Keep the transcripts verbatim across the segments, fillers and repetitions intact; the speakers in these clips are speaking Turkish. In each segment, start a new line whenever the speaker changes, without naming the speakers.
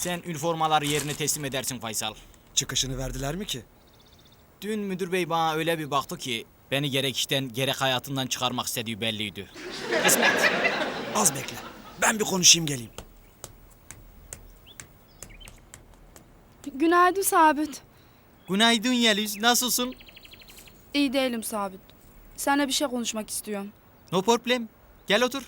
Sen üniformaları yerine teslim edersin Faysal.
Çıkışını verdiler mi ki?
Dün müdür bey bana öyle bir baktı ki beni gerek işten gerek hayatından çıkarmak istediği belliydi. Kısmet.
Az bekle. Ben bir konuşayım geleyim.
Günaydın Sabit.
Günaydın Yeliz, nasılsın?
İyi değilim Sabit. Seninle bir şey konuşmak istiyorum.
No problem. Gel otur.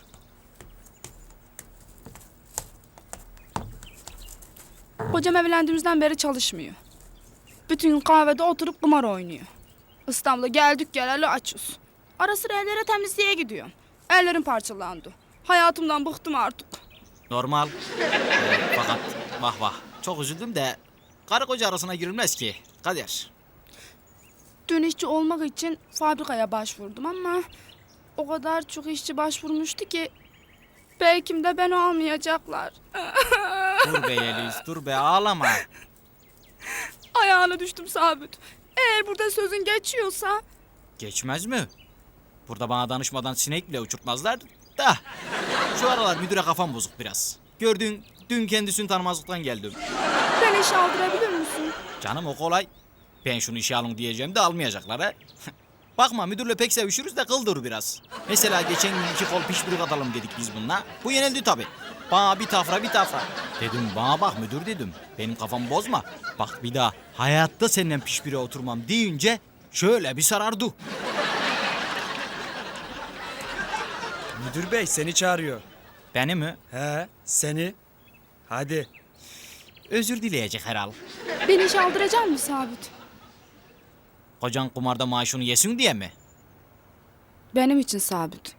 Kocam evlendiğimizden beri çalışmıyor. Bütün gün kahvede oturup kumar oynuyor. İstanbul'a geldik geleli açız. Ara sıra ellere temizliğe gidiyorum. Ellerim parçalandı. Hayatımdan bıktım artık.
Normal. Ee, fakat vah vah. Çok üzüldüm de karı koca arasına girilmez ki. Kader.
Dün işçi olmak için fabrikaya başvurdum ama o kadar çok işçi başvurmuştu ki belki de beni almayacaklar.
Dur be Yeliz, dur be ağlama.
Ayağına düştüm Sabit. Eğer burada sözün geçiyorsa
Geçmez mi? Burada bana danışmadan sinek bile uçurtmazlar da. Şu aralar müdüre kafam bozuk biraz. Gördün, dün kendisini tanımazlıktan geldim.
beni işe aldırabilir misin?
Canım o kolay. Ben şunu işe alın diyeceğim de almayacaklar ha. Bakma müdürle pek sevişiriz de kıldır biraz. Mesela geçen gün iki kol pişpirik atalım dedik biz bununla. Bu yenildi tabii. Bana bir tafra bir tafra. Dedim bana bak müdür dedim. Benim kafamı bozma. Bak bir daha hayatta seninle pişpire oturmam deyince şöyle bir sarardı.
Müdür bey seni çağırıyor.
Beni mi?
He seni. Hadi.
Özür dileyecek herhal.
Beni işe aldıracak mısın Sabit?
Kocan kumarda maaşını yesin diye mi?
Benim için Sabit.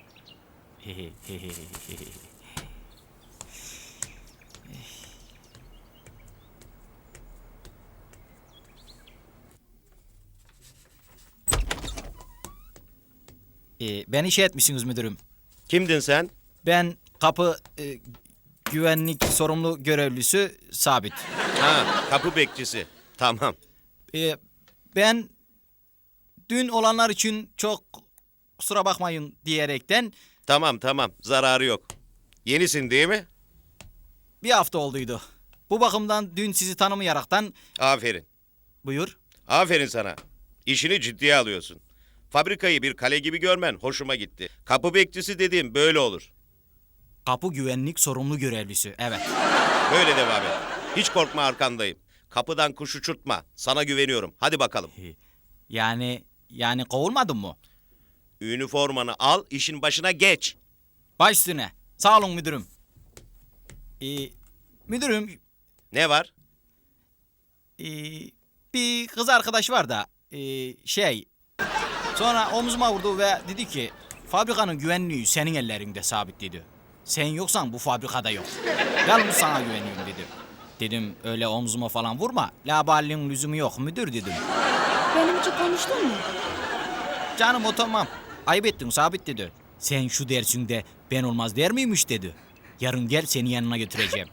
Ee, beni şey etmişsiniz müdürüm.
Kimdin sen?
Ben kapı e, güvenlik sorumlu görevlisi Sabit.
Ha, kapı bekçisi. Tamam.
Ee, ben dün olanlar için çok kusura bakmayın diyerekten
Tamam tamam. Zararı yok. Yenisin değil mi?
bir hafta olduydu. Bu bakımdan dün sizi tanımayaraktan
Aferin.
buyur.
Aferin sana. İşini ciddiye alıyorsun. Fabrikayı bir kale gibi görmen hoşuma gitti. Kapı bekçisi dediğim böyle olur.
Kapı güvenlik sorumlu görevlisi. Evet.
Böyle devam et. Hiç korkma arkandayım. Kapıdan kuş uçurtma. Sana güveniyorum. Hadi bakalım.
Yani yani kovulmadın mı?
Üniformanı al, işin başına geç.
Baş üstüne. Sağ olun müdürüm. Ee, müdürüm
Ne var?
ee, bir kız arkadaş var da ee, şey sonra omzuma vurdu ve dedi ki fabrikanın güvenliği senin ellerinde Sabit dedi. Sen yoksan bu fabrikada yok. Yalnız sana güveniyorum dedi. Dedim öyle omzuma falan vurma. Laballiğin lüzumu yok müdür dedim.
Benim için konuştun mu?
Canım o tamam. Ayıp ettin Sabit dedi. Sen şu dersinde ben olmaz der miymiş dedi. Yarın gel seni yanına götüreceğim.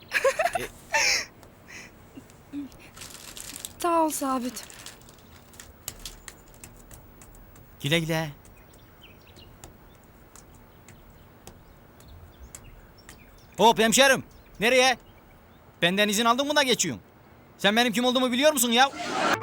Sağ ol Sabit.
Güle güle. Hop hemşerim. Nereye? Benden izin aldın mı da geçiyorsun? Sen benim kim olduğumu biliyor musun ya?